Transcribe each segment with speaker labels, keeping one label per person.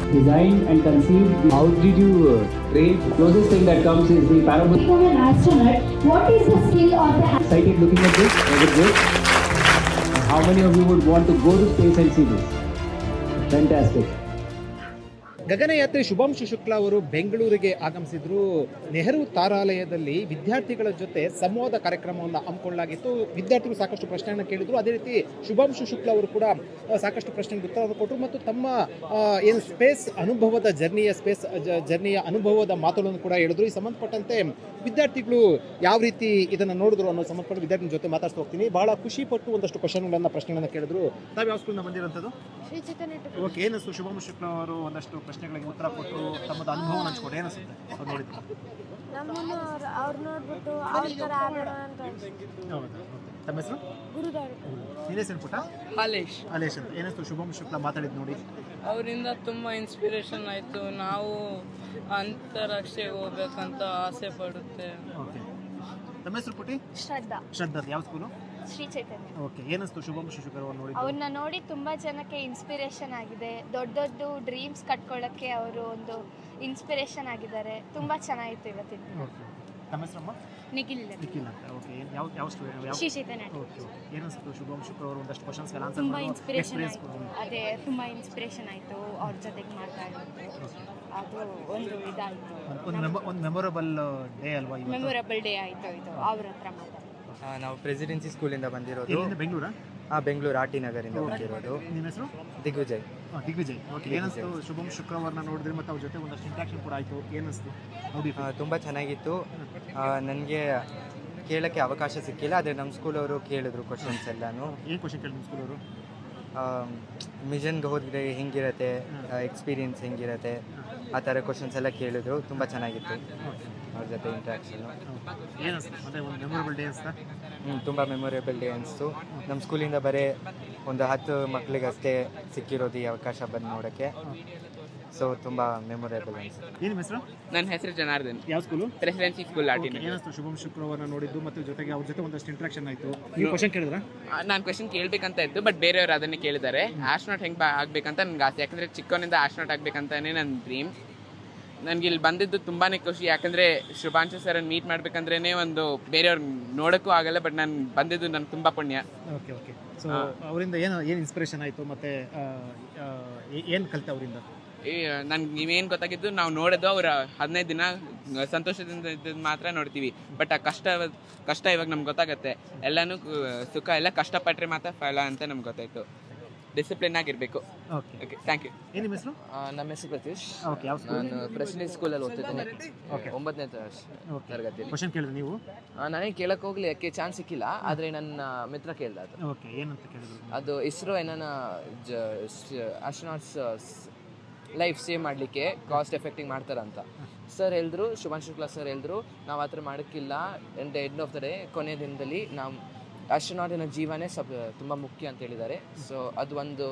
Speaker 1: designed and conceived. How did you train? The closest thing that comes is the parabolic.
Speaker 2: Become an astronaut. What is the skill or the
Speaker 1: Excited looking at this? Is it good? How many of you would want to go to space and see this? Fantastic.
Speaker 3: ಗಗನಯಾತ್ರಿ Shubhanshu Shukla ಅವರು ಬೆಂಗಳೂರಿಗೆ ಆಗಮಿಸಿದ್ರು. ನೆಹರು ತಾರಾಲಯದಲ್ಲಿ ವಿದ್ಯಾರ್ಥಿಗಳ ಜೊತೆ ಸಂವಾದ ಕಾರ್ಯಕ್ರಮವನ್ನು ಹಮ್ಮಿಕೊಳ್ಳಲಾಗಿತ್ತು. ವಿದ್ಯಾರ್ಥಿಗಳು ಸಾಕಷ್ಟು ಪ್ರಶ್ನೆಯನ್ನು ಕೇಳಿದ್ರು. ಅದೇ ರೀತಿ ಶುಭಾಂಶು ಶುಕ್ಲಾ ಅವರು ಕೂಡ ಸಾಕಷ್ಟು ಪ್ರಶ್ನೆಗೆ ಉತ್ತರವನ್ನು ಕೊಟ್ಟರು ಮತ್ತು ತಮ್ಮ ಏನು ಸ್ಪೇಸ್ ಅನುಭವದ ಜರ್ನಿಯ ಅನುಭವದ ಮಾತುಗಳನ್ನು ಕೂಡ ಹೇಳಿದ್ರು. ಈ ಸಂಬಂಧಪಟ್ಟಂತೆ ವಿದ್ಯಾರ್ಥಿಗಳು ಯಾವ ರೀತಿ ಇದನ್ನು ನೋಡಿದ್ರು ಅನ್ನೋ ಸಂಬಂಧಪಟ್ಟ ವಿದ್ಯಾರ್ಥಿ ಜೊತೆ ಮಾತಾಡ್ತಾ ಹೋಗ್ತೀನಿ. ಬಹಳ ಖುಷಿ ಪಟ್ಟು ಒಂದಷ್ಟು ಪ್ರಶ್ನೆಗಳನ್ನು ಕೇಳಿದ್ರು. ತಾವು ಯಾವ ಸ್ಕೂಲಿಂದ ಬಂದಿರೋಂಥದ್ದು? ಓಕೆ, ಏನಿಸ್ತು ಶುಭಾಂಶು ಶುಕ್ಲಾ ಅವರು ಒಂದಷ್ಟು ಪ್ರಶ್ನೆಗಳಿಗೆ ಉತ್ತರ ಕೊಟ್ಟರು, ತಮ್ಮದು ಅನುಭವ ಹಂಚ್ಕೊಂಡು ಏನಿಸುತ್ತೆ ಅವ್ರು ನೋಡಿದ್ರು?
Speaker 4: ಅವ್ರು ನೋಡ್ಬಿಟ್ಟು ಅವ್ರ ಥರ ಆಗೋಣ ಅಂತ.
Speaker 3: ಹೌದಾ? ತಮ್ಮ ಹೆಸರು? ನಿನ್ನ ಹೆಸರು ಪುಟ್ಟ?
Speaker 5: ಹಾಲೇಶ್
Speaker 3: ಅಂತ. ಏನಿಸ್ತು ಶುಭಾಂಶು ಶುಕ್ಲಾ ಮಾತಾಡಿದ್ದು ನೋಡಿ?
Speaker 5: ಅವರಿಂದ ತುಂಬ ಇನ್ಸ್ಪಿರೇಷನ್ ಆಯಿತು. ನಾವು ಅಂತಾರಾಷ್ಟ್ರೀಯ ಹೋಗ್ಬೇಕಂತ ಆಸೆ ಪಡುತ್ತೆ.
Speaker 3: ಓಕೆ, ತಮ್ಮ ಹೆಸರು ಪುಟ್ಟಿ?
Speaker 4: ಶ್ರದ್ಧಾ.
Speaker 3: ಯಾವ ಸ್ಕೂಲು?
Speaker 4: ಶ್ರೀ ಚೈತನ್ಯ.
Speaker 3: ಓಕೆ, ಏನಿಸ್ತು ಶುಭಾಂಶು ಶುಕ್ಲಾ ಅವರು ನೋಡಿ?
Speaker 4: ಅವ್ರನ್ನ ನೋಡಿ ತುಂಬಾ ಜನಕ್ಕೆ ಇನ್ಸ್ಪಿರೇಷನ್ ಆಗಿದೆ. ದೊಡ್ಡ ದೊಡ್ಡ ಡ್ರೀಮ್ಸ್ ಕಟ್ಕೊಳ್ಳೋಕ್ಕೆ ಅವರು ಒಂದು ಇನ್ಸ್ಪಿರೇಷನ್ ಆಗಿದ್ದಾರೆ. ತುಂಬಾ ಚೆನ್ನಾಗಿತ್ತು ಇವತ್ತಿನ ದಿನ.
Speaker 3: ತಮ್ಮ ಹೆಸರಮ್ಮ?
Speaker 4: ನಿಖಿಲ್
Speaker 3: ಅಂತ. ಓಕೆ, ಯಾವ ಸ್ಟೂಡೆಂಟ್?
Speaker 4: ಶ್ರೀ ಚೈತನ್ಯ.
Speaker 3: ಓಕೆ, ಏನಿಸ್ತು ಶುಭಾಂಶು ಶುಕ್ಲಾ ಅವರು ಒಂದಷ್ಟು ಕ್ವಶನ್ಸ್ಗೆ ಆನ್ಸರ್
Speaker 4: ತುಂಬಾ
Speaker 3: ಮಾಡಿ
Speaker 4: ಇನ್ಸ್ಪಿರೇಷನ್ ಆಯಿತು. ಅದೇ ತುಂಬಾ ಇನ್ಸ್ಪಿರೇಷನ್ ಆಯಿತು ಅವ್ರ ಜೊತೆಗೆ ಮಾತಾಡೋದು. ಅದು ಒಂದು ಇದಾಯಿತು.
Speaker 3: ಒಂದು ಮೆಮೊರಬಲ್ ಡೇ ಅಲ್ವಾ?
Speaker 4: ಮೆಮೊರಬಲ್ ಡೇ ಆಯಿತು ಇದು ಅವ್ರ ಹತ್ರ ಮಾತಾಡೋದು.
Speaker 6: ನಾವು ಪ್ರೆಸಿಡೆನ್ಸಿ ಸ್ಕೂಲಿಂದ ಬಂದಿರೋದು.
Speaker 3: ಬೆಂಗಳೂರಾ?
Speaker 6: ಬೆಂಗಳೂರು ಆರ್ ಟಿ ನಗರಿಂದ ಬಂದಿರೋದು.
Speaker 3: ನಿಮ್ಮ ಹೆಸರು?
Speaker 6: ದಿಗ್ವಿಜಯ್.
Speaker 3: ಓಕೆ, ಏನಿಸ್ತು ಶುಭಂ ಶುಕ್ರವಾರನ ನೋಡಿದ್ರೆ ಮತ್ತು ಅವ್ರ ಜೊತೆ ಒಂದಷ್ಟು ಇಂಟ್ರಾಕ್ಷನ್ ಕೂಡ ಆಯಿತು, ಏನಿಸ್ತು?
Speaker 6: ತುಂಬ ಚೆನ್ನಾಗಿತ್ತು. ನನಗೆ ಕೇಳೋಕ್ಕೆ ಅವಕಾಶ ಸಿಕ್ಕಿಲ್ಲ, ಆದರೆ ನಮ್ಮ ಸ್ಕೂಲವರು ಕೇಳಿದ್ರು ಕ್ವಶನ್ಸ್ ಎಲ್ಲನೂ.
Speaker 3: ಏನು ಕ್ವಶನ್ ಕೇಳಿದ್ರು ನಿಮ್ಮ ಸ್ಕೂಲವರು?
Speaker 6: ಮಿಷನ್ಗೆ ಹೋದರೆ ಹೆಂಗಿರುತ್ತೆ, ಎಕ್ಸ್ಪೀರಿಯನ್ಸ್ ಹೆಂಗಿರುತ್ತೆ, ಆ ಥರ ಕ್ವಶನ್ಸ್ ಎಲ್ಲ ಕೇಳಿದ್ರು. ತುಂಬ ಚೆನ್ನಾಗಿತ್ತು ಅವ್ರ ಜೊತೆ ಇಂಟ್ರಾಕ್ಷನು.
Speaker 3: ಏನಿಸ್ತು? ಮತ್ತು ಒಂದು ಮೆಮೊರಬಲ್ ಡೇ ಅನಿಸ್ತಾ?
Speaker 6: ತುಂಬ ಮೆಮೊರೇಬಲ್ ಡೇ ಅನಿಸ್ತು. ನಮ್ಮ ಸ್ಕೂಲಿಂದ ಬರೀ ಒಂದು 10 ಮಕ್ಕಳಿಗಷ್ಟೇ ಸಿಕ್ಕಿರೋದು ಈ ಅವಕಾಶ ಬಂದು ನೋಡೋಕ್ಕೆ. ಸೊ ತುಂಬ ಮೆಮೊರೇಬಲ್ ಅನಿಸ್ತು.
Speaker 3: ಏನು ಹೆಸರು?
Speaker 5: ನನ್ನ ಹೆಸರು ಜನಾರ್ದನ್.
Speaker 3: ಯಾವ ಸ್ಕೂಲು?
Speaker 5: ಪ್ರೆಸಿಡೆನ್ಸಿ ಸ್ಕೂಲ್ ಆಟಿನ.
Speaker 3: ಏನಿಸ್ತು ಶುಭಂ ಶುಕ್ರವಾರನ ನೋಡಿದ್ದು ಮತ್ತು ಜೊತೆಗೆ ಅವ್ರ ಜೊತೆ ಒಂದಷ್ಟು ಇಂಟ್ರಾಕ್ಷನ್ ಆಯಿತು? ನೀವು ಕ್ವಶನ್ ಕೇಳಿದ್ರಾ?
Speaker 5: ನಾನು ಕ್ವಶನ್ ಕೇಳಬೇಕಂತ ಇತ್ತು, ಬಟ್ ಬೇರೆಯವರು ಅದನ್ನೇ ಕೇಳಿದ್ದಾರೆ. ಆಸ್ಟ್ರೋನಾಟ್ ಹೆಂಗೆ ಆಗಬೇಕಂತ ನನಗೆ ಆಸೆ. ಯಾಕಂದರೆ ಚಿಕ್ಕವನಿಂದ ಆಸ್ಟ್ರೋನಾಟ್ ಆಗಬೇಕಂತಾನೆ ನನ್ನ ಡ್ರೀಮ್. ನನಗೆ ಇಲ್ಲಿ ಬಂದಿದ್ದು ತುಂಬಾ ಖುಷಿ. ಯಾಕಂದರೆ ಶುಭಾಂಶು ಸರನ್ನು ಮೀಟ್ ಮಾಡಬೇಕಂದ್ರೇ ಒಂದು ಬೇರೆಯವ್ರು ನೋಡೋಕ್ಕೂ ಆಗಲ್ಲ, ಬಟ್ ನಾನು ಬಂದಿದ್ದು ನನಗೆ ತುಂಬ ಪುಣ್ಯ.
Speaker 3: ಓಕೆ. ಸೊ ಅವರಿಂದ ಏನು ಇನ್ಸ್ಪಿರೇಷನ್ ಆಯಿತು ಮತ್ತು ಏನು ಕಲಿತೆ ಅವರಿಂದ?
Speaker 5: ನನ್ಗೆ ನೀವೇನು ಗೊತ್ತಾಗಿದ್ದು, ನಾವು ನೋಡೋದು ಅವ್ರ 15 ದಿನ ಸಂತೋಷದಿಂದ ಇದ್ದದ್ದು ಮಾತ್ರ ನೋಡ್ತೀವಿ. ಬಟ್ ಆ ಕಷ್ಟ ಇವಾಗ ನಮ್ಗೆ ಗೊತ್ತಾಗತ್ತೆ. ಎಲ್ಲನೂ ಸುಖ ಎಲ್ಲ ಕಷ್ಟಪಟ್ಟರೆ ಮಾತ್ರ ಫಲ ಅಂತ ನಮ್ಗೆ ಗೊತ್ತಾಯಿತು. ಡಿಸಿಪ್ಲಿನ್ ಆಗಿರಬೇಕು. Okay, thank you.
Speaker 3: ಏನು ನಿಮ್ಮ ಹೆಸರು?
Speaker 7: ನಮ್ಮ ಹೆಸರು ಪ್ರತೀಶ್.
Speaker 3: ಓಕೆ, ಯಾವ ಸ್ಕೂಲ್?
Speaker 7: ನಾನು ಪ್ರೆಸಿಡೆನ್ಸಿ ಸ್ಕೂಲಲ್ಲಿ ಓದ್ತಿದ್ದೇನೆ.
Speaker 3: ಓಕೆ,
Speaker 7: 9ನೇ ತರಗತಿಯಲ್ಲಿ.
Speaker 3: ಕ್ವಶನ್ ಕೇಳಿದ್ರೆ ನೀವು?
Speaker 7: ನನಗೆ ಕೇಳಕ್ಕೆ ಹೋಗ್ಲಿಕ್ಕೆ ಚಾನ್ಸ್ ಸಿಕ್ಕಿಲ್ಲ, ಆದರೆ ನನ್ನ ಮಿತ್ರ ಕೇಳ್ದ ಅದು.
Speaker 3: ಓಕೆ, ಏನಂತ ಕೇಳಿದ್ರು?
Speaker 7: ಅದು ಇಸ್ರೋ ಏನನ್ನ ಆಸ್ಟ್ರೋನಾಟ್ಸ್ ಲೈಫ್ ಸೇವ್ ಮಾಡಲಿಕ್ಕೆ ಕಾಸ್ಟ್ ಎಫೆಕ್ಟಿಂಗ್ ಮಾಡ್ತಾರಂತ ಸರ್ ಹೇಳಿದ್ರು. ಶುಭಾಂಶು ಶುಕ್ಲಾ ಸರ್ ಹೇಳಿದ್ರು, ನಾವು ಆ ಥರ ಮಾಡೋಕ್ಕಿಲ್ಲ. ಎಂಡ್ ಆಫ್ ದ ಡೇ ಕೊನೆಯ ದಿನದಲ್ಲಿ ನಾವು ಆಸ್ಟ್ರೋನಾಟಿನ ಜೀವನೇ ತುಂಬ ಮುಖ್ಯ ಅಂತ ಹೇಳಿದ್ದಾರೆ. ಸೊ ಅದು ಒಂದು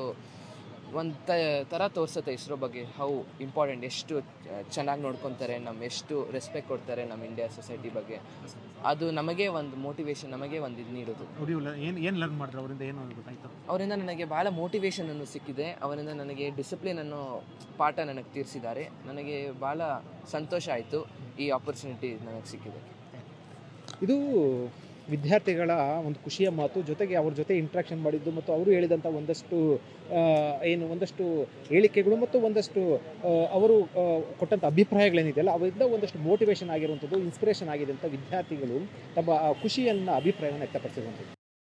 Speaker 7: ಥರ ತೋರಿಸುತ್ತೆ ಇಸ್ರೋ ಬಗ್ಗೆ, ಹೌ ಇಂಪಾರ್ಟೆಂಟ್, ಎಷ್ಟು ಚೆನ್ನಾಗಿ ನೋಡ್ಕೊತಾರೆ, ಎಷ್ಟು ರೆಸ್ಪೆಕ್ಟ್ ಕೊಡ್ತಾರೆ ನಮ್ಮ ಇಂಡಿಯಾ ಸೊಸೈಟಿ ಬಗ್ಗೆ. ಅದು ನಮಗೆ ಒಂದು ಮೋಟಿವೇಶನ್, ನಮಗೆ ಒಂದು ಇದು ನೀಡೋದು.
Speaker 3: ಏನು ಲರ್ನ್ ಮಾಡಿದ್ರು ಅವರಿಂದ? ಏನು ಗೊತ್ತಾಯಿತು
Speaker 7: ಅವರಿಂದ? ನನಗೆ ಭಾಳ ಮೋಟಿವೇಶನ್ ಅನ್ನು ಸಿಕ್ಕಿದೆ. ಅವರಿಂದ ನನಗೆ ಡಿಸಿಪ್ಲಿನ್ ಅನ್ನೋ ಪಾಠ ನನಗೆ ತೀರಿಸಿದ್ದಾರೆ. ನನಗೆ ಭಾಳ ಸಂತೋಷ ಆಯಿತು ಈ ಆಪರ್ಚುನಿಟಿ ನನಗೆ ಸಿಕ್ಕಿದೆ.
Speaker 3: ಇದು ವಿದ್ಯಾರ್ಥಿಗಳ ಒಂದು ಖುಷಿಯ ಮಾತು. ಜೊತೆಗೆ ಅವ್ರ ಜೊತೆ ಇಂಟ್ರಾಕ್ಷನ್ ಮಾಡಿದ್ದು ಮತ್ತು ಅವರು ಹೇಳಿದಂಥ ಒಂದಷ್ಟು ಹೇಳಿಕೆಗಳು ಮತ್ತು ಒಂದಷ್ಟು ಅವರು ಕೊಟ್ಟಂಥ ಅಭಿಪ್ರಾಯಗಳೇನಿದೆಯಲ್ಲ, ಅವರಿಂದ ಒಂದಷ್ಟು ಮೋಟಿವೇಶನ್ ಆಗಿರುವಂಥದ್ದು, ಇನ್ಸ್ಪಿರೇಷನ್ ಆಗಿದೆ ಅಂತ ವಿದ್ಯಾರ್ಥಿಗಳು ತಮ್ಮ ಖುಷಿಯನ್ನು ಅಭಿಪ್ರಾಯವನ್ನು ವ್ಯಕ್ತಪಡಿಸಿರುವಂಥದ್ದು.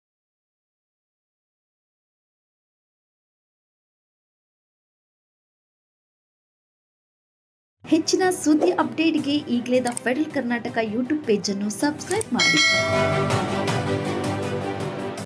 Speaker 8: ಹೆಚ್ಚಿನ ಸುದ್ದಿ ಅಪ್ಡೇಟ್ಗೆ ಈಗಲೇ ದ ಫೆಡರಲ್ ಕರ್ನಾಟಕ ಯೂಟ್ಯೂಬ್ ಪೇಜನ್ನು ಸಬ್ಸ್ಕ್ರೈಬ್ ಮಾಡಿ.